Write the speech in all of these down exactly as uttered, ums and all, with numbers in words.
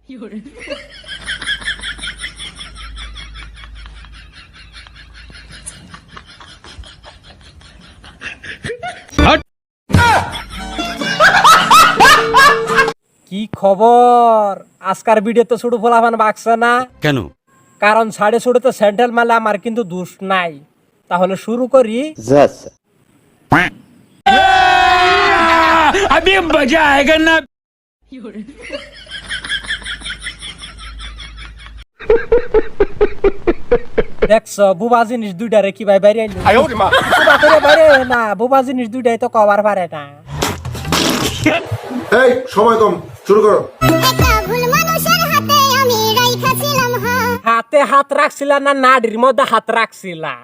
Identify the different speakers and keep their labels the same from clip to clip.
Speaker 1: কি খবর? আজকার ভিডিও তো ছোট ফলাফান বাকছে না
Speaker 2: কেন?
Speaker 1: কারণ সাড়ে ছোটতে স্যান্ডেল মালে আমার কিন্তু দোষ নাই। তাহলে শুরু করি।
Speaker 2: अभी मजा आएगा ना।
Speaker 1: দেখছো বুবা জিনিস দুইটারে কি ভাই বাইরে আইলো? বুবা করে বাইরে না, বুবা জিনিস দুইটাই তো কভার পারে না।
Speaker 3: এই সময় কম, শুরু করো।
Speaker 1: হাতে হাত রাখছিলা না নাড়ির মধ্যে হাত রাখছিলা?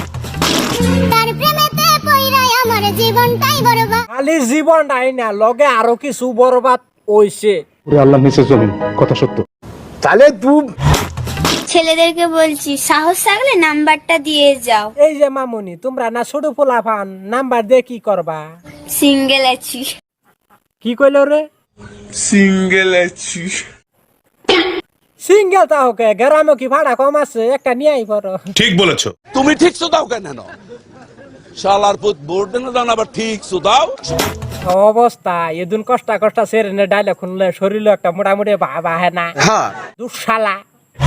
Speaker 1: খালি জীবনটাই না, লগে আরো কিছু বরবাদ হইছে।
Speaker 3: আল্লাহ নিচে জমিন, কথা সত্য। তাহলে তুই
Speaker 4: ছেলেদেরকে বলছি সাহস থাকলে নাম্বারটা দিয়ে যাও।
Speaker 1: এই যে মামুনি, তোমরা না ছোট পোলাপান, নাম্বার দিয়ে কি করবা?
Speaker 4: সিঙ্গেল আছি।
Speaker 1: কি কইলো রে?
Speaker 3: সিঙ্গেল আছি।
Speaker 1: সিঙ্গেল তা ওকে গ্রামে কি ভাড়া কম আছে? একটা নিয়ে আই পড়ো।
Speaker 5: ঠিক বলেছো তুমি। ঠিক সুদাও কেন শালার পুত বোর্ড না জানা আবার ঠিক সুদাও
Speaker 1: অবস্থা এদিন কষ্ট কষ্ট সেরেনে ডাইলগ শুনলে শরীরে একটা মোটামুটি ভাব আহে না?
Speaker 5: হ্যাঁ
Speaker 1: দুঃশালা।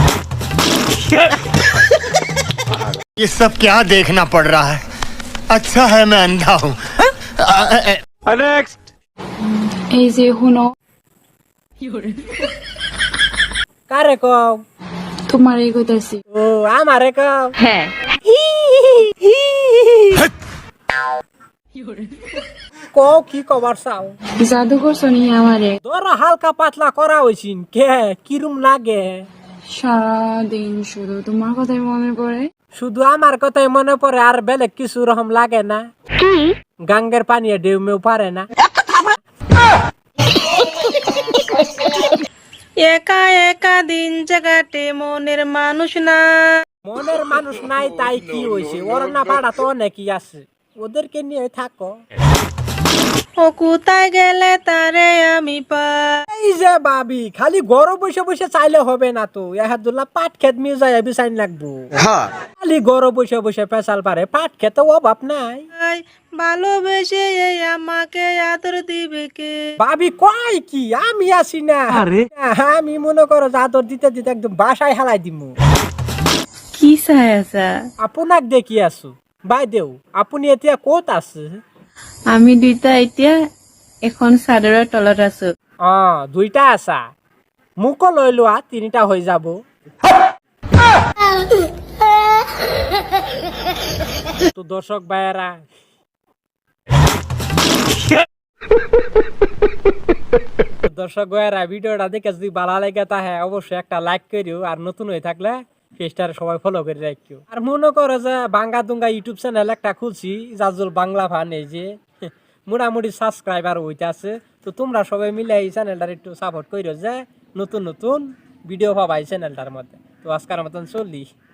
Speaker 6: ये सब क्या देखना पड़ रहा है? अच्छा है मैं अंधा हूँ।
Speaker 5: নেক্সট
Speaker 7: এই যে হুনো,
Speaker 1: কারে কও?
Speaker 7: তোমার এই কইতাছি।
Speaker 1: ও আমারে কও?
Speaker 7: হ্যাঁ,
Speaker 1: কও কি কবার চাও?
Speaker 7: জাদু করছো নি আমারে?
Speaker 1: ধরো হালকা পাতলা করা হইছিন, কে কিরম লাগে?
Speaker 7: সারাদিন শুধু তোমার কথাই মনে পড়ে।
Speaker 1: শুধু আমার কথাই মনে পড়ে, আর বেলেগ কিছু রকম লাগে না? গাঙ্গের পানি ডেউমেও পারে না।
Speaker 8: একা একা দিন জাগাতে মনের মানুষ না।
Speaker 1: মনের মানুষ নাই তাই কি হয়েছে? ওর না পাড়া তো অনেকই আছে, ওদেরকে নিয়ে থাকো।
Speaker 8: ও কোথায় গেলে তারে আমি পাই।
Speaker 1: এই যে ভাবি, খালি ঘরে বসে বসে চাইলে হবে না তো, এহাদুল্লাহ পাট খেত মিউ যায় বিছাইন লাগবো। খালি ঘরে বসে বসে পেশাল পারে, পাট খেতে অভাব নাই।
Speaker 8: ভালোবেসে এই আমাকে আদর দিবে কে?
Speaker 1: ভাবি কয় কি? আমি আছি না? আমি মনে করো আদর দিতে দিতে একদম বাসায় হালাই দিমু।
Speaker 8: কি চাই আছা?
Speaker 1: আপনাক দেখি আছো বাই দেও। আপুনি এতিয়া ক'ত আছে?
Speaker 8: আমি দুইটা এতিয়া এখন চাদৰৰ তলত আছো।
Speaker 1: অ দুইটা আছা, মোকো লৈ লোৱা, তিনিটা হৈ যাব। তো দর্শক ভাইয়েরা, দর্শক ভাইয়েরা ভিডিওটা দেখে যদি ভালো লাগে তাহলে অবশ্যই একটা লাইক করিও, আর নতুন হয়ে থাকলে পেজটারে সবাই ফলো করে রাখিও। আর মনে করো যে বাঙ্গা দুঙ্গা ইউটিউব চ্যানেল একটা খুলছি, জাজুল বাংলা ফান, এই যে মোটামুটি সাবস্ক্রাইবার হইতে আছে। তো তোমরা সবাই মিলে এই চ্যানেলটার একটু সাপোর্ট করিও, যে নতুন নতুন ভিডিও পাবা এই চ্যানেলটার মধ্যে। তো আজকের মতন চললি।